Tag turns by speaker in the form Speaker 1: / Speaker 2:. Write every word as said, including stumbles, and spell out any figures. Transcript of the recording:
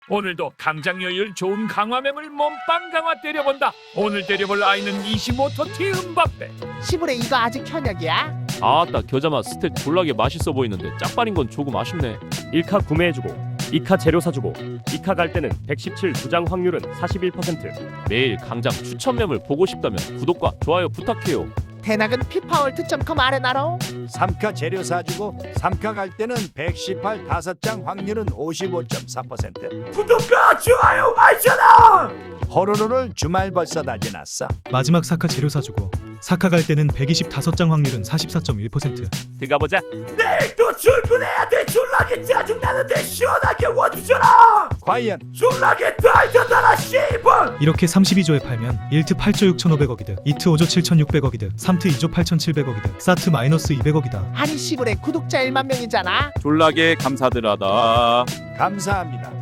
Speaker 1: 오늘도 강장여율 좋은 강화mem을 몸빵 강화 때려본다. 오늘 때려볼 아이는 이십오 토티 음바페.
Speaker 2: 시부레 이거 아직 현역이야?
Speaker 3: 아따 겨자맛 스택 졸라게 맛있어 보이는데 짝발인 건 조금 아쉽네.
Speaker 4: 일 카 구매해주고 이 카 재료 사주고 이 카 갈 때는 백십칠 두장 확률은 사십일 퍼센트.
Speaker 3: 매일 강장 추천mem을 보고 싶다면 구독과 좋아요 부탁해요.
Speaker 2: 대낙은 피파월드 닷컴 아레나로.
Speaker 5: 삼 카 재료 사주고 삼 카 갈 때는 백십팔 다섯 장 확률은 오십오 점 사 퍼센트.
Speaker 1: 구독과 좋아요 알잖아.
Speaker 5: 호로로를 주말 벌써 다 지났어.
Speaker 6: 마지막 사 카 재료 사주고 사 카 갈 때는 백이십오 장 확률은 사십사 점 일 퍼센트.
Speaker 4: 들어가보자.
Speaker 1: 내일 또 출근해야 돼. 졸라게 짜증나는데 시원하게 와주잖아.
Speaker 5: 과연
Speaker 1: 졸라게 달려달아 씨발.
Speaker 6: 이렇게 삼십이 조에 팔면 일 트 팔조 육천오백억이득, 이 트 오조 칠천육백억이득, 삼 트 이조 팔천칠백억이득, 사 트 마이너스 이백억이다.
Speaker 2: 아니 시부레 구독자 일만 명이잖아.
Speaker 7: 졸라게 감사드라다.
Speaker 5: 감사합니다.